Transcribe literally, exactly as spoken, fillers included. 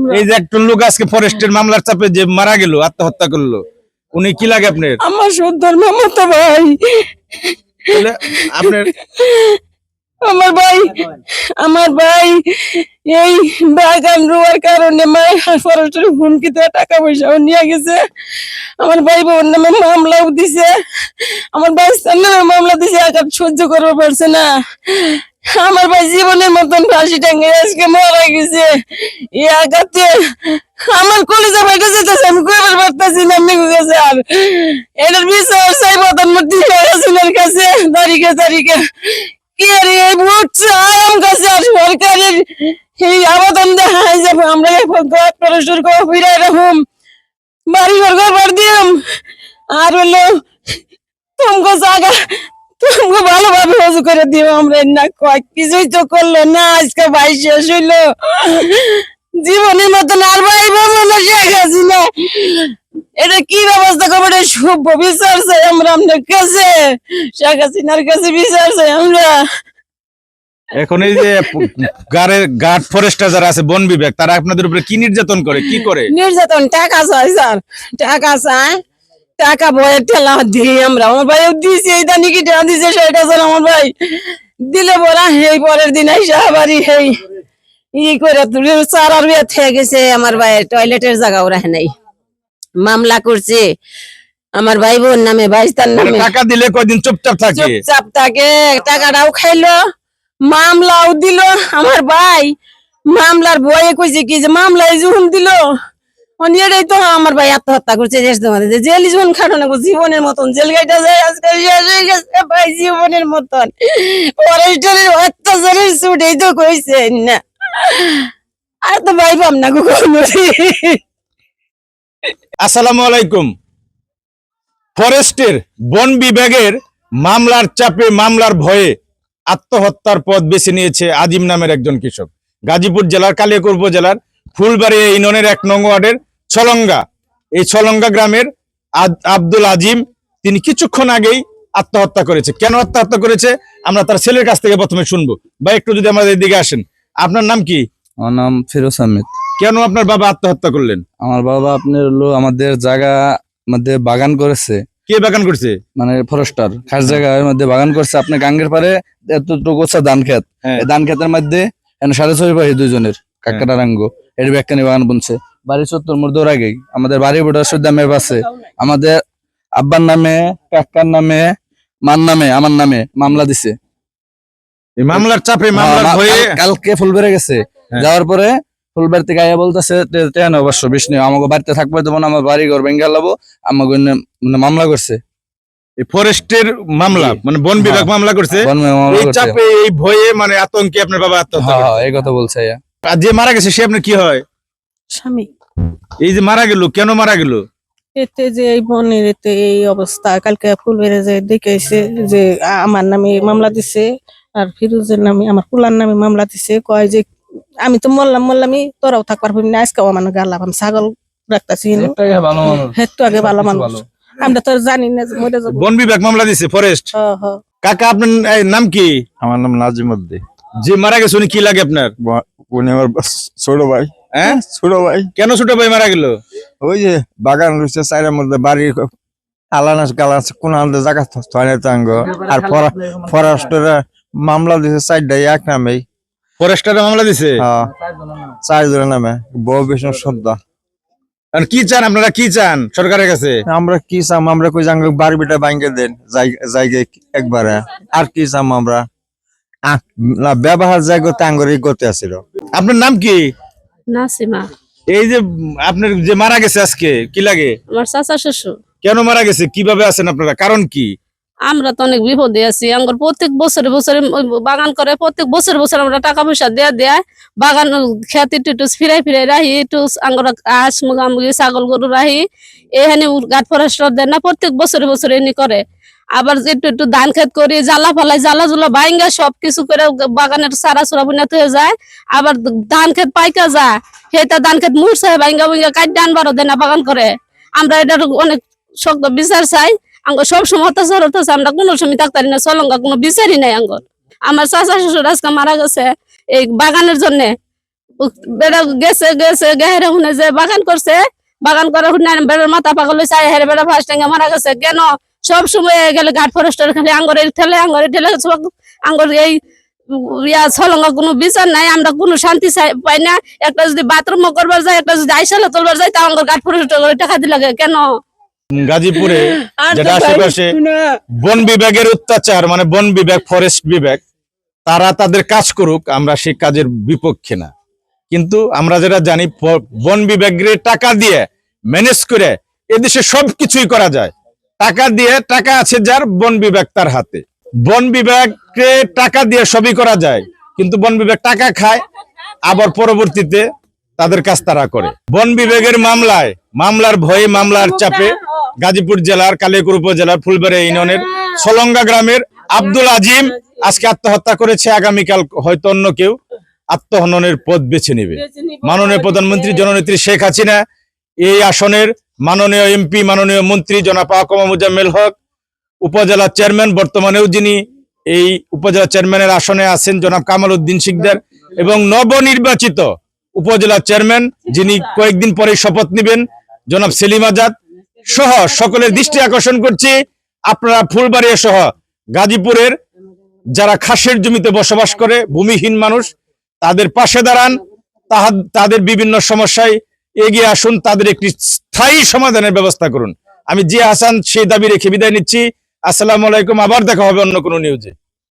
এই যে একটা লোক আজকে ফরেস্টের মামলার চাপে যে মারা গেল, আত্মহত্যা করলো, উনি কি লাগে আপনার? আমার সন্তান মামাতো ভাই। তাহলে আপনার আমার ভাই আমার ভাই এই বাগান রোয়ার কারণে মায়ের ফরেস্টের হুমকিতে টাকা পয়সাও নিয়ে গেছে। আমার ভাই বোন নামে মামলাও দিছে, আমার ভাই নামে মামলা দিছে। আঘাত সহ্য করতে পারছে না। আমার ভাই জীবনের মতন ফাঁসি টাঙ্গে আজকে মারা গেছে। এই আঘাতে আমার কলেজে বাইরে যেতেছে, আমি কইবার পারতেছি না। আমি গেছে আর এটার বিচার চাই প্রধানমন্ত্রী হাসিনার কাছে তারিখে তারিখে কি আর এই ভোট চাই আমার কাছে। আর সরকারের এই আবেদন দেখায় যে আমরা ফরেস্টের করে ফিরে এরকম বাড়ি ঘর ঘর দিলাম আর হলো তোমাকে জায়গা তোমাকে ভালোভাবে হজু করে দিব আমরা। না কয় কিছুই তো করলো না, আজকে ভাই শেষ হইলো। জীবনের মতন আর ভাই বলবো না শেখ হাসিনা। এটা কি ব্যবস্থা করবো? এটা সভ্য বিচার চাই আমরা আপনার কাছে, শেখ হাসিনার কাছে বিচার চাই আমরা। এখন এই যে গাড়ের গার্ড ফরেস্টার যারা আছে, বন বিভাগ, তারা আপনাদের উপরে কি নির্যাতন করে, কি করে? নির্যাতন টাকা চাই স্যার, টাকা চাই, টাকা বইয়ের ঠেলা দিই আমরা। আমার ভাই দিয়েছে এই দানি কি টাকা দিছে সেটা স্যার আমার ভাই দিলে বলা এই পরের দিন আইসা বাড়ি এই ই করে তুলে চার আর বিয়ে থেকে গেছে। আমার ভাইয়ের টয়লেটের জায়গাও রাখে নাই, মামলা করছে আমার ভাই বোন নামে, ভাইস্তার নামে। টাকা দিলে কয়দিন চুপচাপ থাকে? চুপচাপ থাকে, টাকাটাও খাইলো, মামলাও দিল। আমার ভাই মামলার বয়ে কইছে কি যে মামলায় যখন দিল অনেকটাই তো আমার ভাই আত্মহত্যা করছে। জেল জীবন খাটো না, জীবনের মতন জেল গাইটা যায় আজকে শেষ হয়ে গেছে ভাই, জীবনের মতন। ফরেস্টারের অত্যাচারের ছুটেই তো কইছে না, আর তো ভাই পাম না গো। আসসালামু আলাইকুম। ফরেস্টের বন বিভাগের মামলার চাপে, মামলার ভয়ে আত্মহত্যার পথ বেছে নিয়েছে আজিম নামের একজন কৃষক। গাজীপুর জেলার কালিয়াকৈর উপজেলার ফুলবাড়ি ইউনিয়নের এক নং ওয়ার্ডের ছলঙ্গা, এই ছলঙ্গা গ্রামের আব্দুল আজিম, তিনি কিছুক্ষণ আগেই আত্মহত্যা করেছে। কেন আত্মহত্যা করেছে আমরা তার ছেলের কাছ থেকে প্রথমে শুনবো। ভাই একটু যদি আমাদের দিকে আসেন, আপনার নাম কি? আমার নাম ফিরোজ আহমেদ। কেন আপনার বাবা আত্মহত্যা করলেন? আমার বাবা আপনার হলো আমাদের জায়গা মধ্যে বাগান করেছে। কে বাগান করছে? মানে ফরেস্টার খাস জায়গার মধ্যে বাগান করছে। আপনার গাঙ্গের পারে এতটুকু হচ্ছে ধান খেত, এই ধান খেতের মধ্যে সাড়ে ছয় ভাই দুইজনের কাকাটা রাঙ্গ এর ব্যাখ্যানি বাগান বুনছে। বাড়ি চত্বর মোর দৌড় আগেই আমাদের বাড়ি বোটার সুদ্ধা মেপ আছে। আমাদের আব্বার নামে, কাকার নামে, মার নামে, আমার নামে মামলা দিছে। এই মামলার চাপে, মামলার ভয়ে কালকে ফুলবাড়ি গেছে, যাওয়ার পরে ফুলবাড়ি থেকে আইয়া বলতেছে অবশ্য বিশ নিয়ে আমাকে বাড়িতে থাকবে দেবো না, আমার বাড়ি ঘর ভেঙে লাবো, আমাকে মানে মামলা করছে। ফরেস্টের মামলা মানে বন বিভাগ মামলা করছে। এই চাপে, এই ভয়ে মানে আতঙ্কে আপনার বাবা আত্মহত্যা করছে। এই কথা বলছে। আর যে মারা গেছে সে আপনার কি হয়? স্বামী। এই যে মারা গেল, কেন মারা গেল? এতে যে এই বনের এতে এই অবস্থা, কালকে ফুলবেড়ে যে দেখেছে যে আমার নামে মামলা দিছে আর ফিরোজের নামে, আমার পুলার নামে মামলা দিছে। কয় যে আমি তো মরলাম মরলামই, তোরাও থাকবার পারবি না। আজকেও আমার গালাম, আমি ছাগল রাখতেছি, হেতু আগে ভালো মানুষ, আমরা তো জানি না মরে যাবো। বন বিভাগ মামলা দিছে ফরেস্ট। কাকা আপনার নাম কি? আমার নাম নাজিম উদ্দিন। যে মারা গেছে উনি কি লাগে আপনার? উনি আমার ছোট ভাই। হ্যাঁ, ছোট ভাই। কেন ছোট ভাই মারা গেল? ওই যে বাগান রয়েছে চাইরের মধ্যে, বাড়ির আলানাস গালাস কোন আলাদা জায়গা থাঙ্গ। আর ফরেস্টের মামলা দিছে চারটাই এক নামেই। ফরেস্টারের মামলা দিছে চারজনের নামে, বউ বিষ্ণু শ্রদ্ধা। কি চান আপনারা, কি চান সরকারের কাছে? আমরা কি চাম? আমরা কই জাঙ্গ বাড়ি বিটা ভাঙ্গে দেন জায়গায় একবারে। আর কি চাম আমরা? ব্যবহার জায়গাতে আঙ্গরি করতে আসছিল। আপনার নাম কি? নাসিমা। এই যে আপনার যে মারা গেছে আজকে কি লাগে? আমার চাচা শ্বশুর। কেন মারা গেছে, কিভাবে আছেন আপনারা, কারণ কি? আমরা তো অনেক বিপদে আছি। আমার প্রত্যেক বছরে বছরে বাগান করে, প্রত্যেক বছর বছর আমরা টাকা পয়সা দেয়া দেয়া বাগান খেতে একটু ফিরাই ফিরাই রাহি, একটু আঙ্গর হাঁস মুরগি ছাগল গরু রাহি। এখানে গাছ ফরেস্টার দেন না, প্রত্যেক বছরে বছরে এনে করে। আবার একটু একটু ধান খেত করি, জ্বালা ফালাই, জ্বালা জুলা বাইঙ্গা সবকিছু করে বাগানের সারা সুরা বুনাত হয়ে যায়। আবার ধান খেত পাইকা যায়, সেটা ধান খেত মুড়ছে বাইঙ্গা বাইঙ্গা কাট ডান বারো দেন না বাগান করে। আমরা এটার অনেক শক্ত বিচার চাই। আঙ্গ সব সময় অত্যাচার হতেছে, আমরা কোনো সময় থাকতারি না, চলঙ্গা কোনো বিচারই নাই আঙ্গর। আমার চাচা শ্বশুর আজকে মারা গেছে এই বাগানের জন্য। উ- বেড়া গেছে গেছে গেহেরে শুনে যে বাগান করছে, বাগান করে শুনে বেড়ার মাথা পাগল হয়েছে, হেরে বেড়া ফার্স্ট টাঙ্গে মারা গেছে। কেন সব সময় গেলে ঘাট ফরেস্টের খালি আঙ্গরের ঠেলে আঙ্গরের ঠেলে সব আঙ্গর এই ইয়া ছলঙ্গ কোনো বিচার নাই, আমরা কোনো শান্তি চাই- পাই না। একটা যদি বাথরুম করবার যায়, একটা যদি আইসালা তুলবার যায়, তা আঙ্গর ঘাট ফরেস্টের করে টাকা দিলে কেন? গাজীপুরে আর তো যেটা ভাই আশেপাশে শুনা, বন বিভাগের অত্যাচার, মানে বন বিভাগ, ফরেস্ট বিভাগ, তারা তাদের কাজ করুক, আমরা সেই কাজের বিপক্ষে না। কিন্তু আমরা যেটা জানি প- বন বিভাগের টাকা দিয়ে ম্যানেজ করে এদেশে সবকিছুই করা যায়। টাকা দিয়ে, টাকা আছে যার, বন বিভাগ তার হাতে। বন বিভাগকে টাকা দিয়ে সবই করা যায়, কিন্তু বন বিভাগ টাকা খায়, আবার পরবর্তীতে তাদের কাজ তারা করে। বন বিভাগের মামলায়, মামলার ভয়ে, মামলার চাপে গাজীপুর জেলার কালিয়াকৈর উপজেলার ফুলবাড়ি ইউনিয়নের সলঙ্গা গ্রামের আব্দুল আজিম আজকে আত্মহত্যা করেছে। আগামীকাল হয়তো অন্য কেউ আত্মহননের পথ বেছে নেবে। মাননীয় প্রধানমন্ত্রী জননেত্রী শেখ হাসিনা এই আসনের মাননীয় এমপি, মাননীয় মন্ত্রী জনাব আকমা মোজাম্মেল হক, উপজেলা চেয়ারম্যান, বর্তমানেও যিনি এই উপজেলা চেয়ারম্যানের আসনে আছেন জনাব কামাল উদ্দিন শিকদার, এবং নবনির্বাচিত উপজেলা চেয়ারম্যান যিনি কয়েকদিন পরে শপথ নেবেন জনাব সেলিম আজাদ সহ সকলের দৃষ্টি আকর্ষণ করছি, আপনারা ফুলবাড়িয়া সহ গাজীপুরের যারা খাসের জমিতে বসবাস করে, ভূমিহীন মানুষ, তাদের পাশে দাঁড়ান, তাহা- তাদের বিভিন্ন সমস্যায় এগিয়ে আসুন, তাদের একটি স্থায়ী সমাধানের ব্যবস্থা করুন। আমি জিয়া হাসান সেই দাবি রেখে বিদায় নিচ্ছি। আসসালামু আলাইকুম, আবার দেখা হবে অন্য কোনো নিউজে।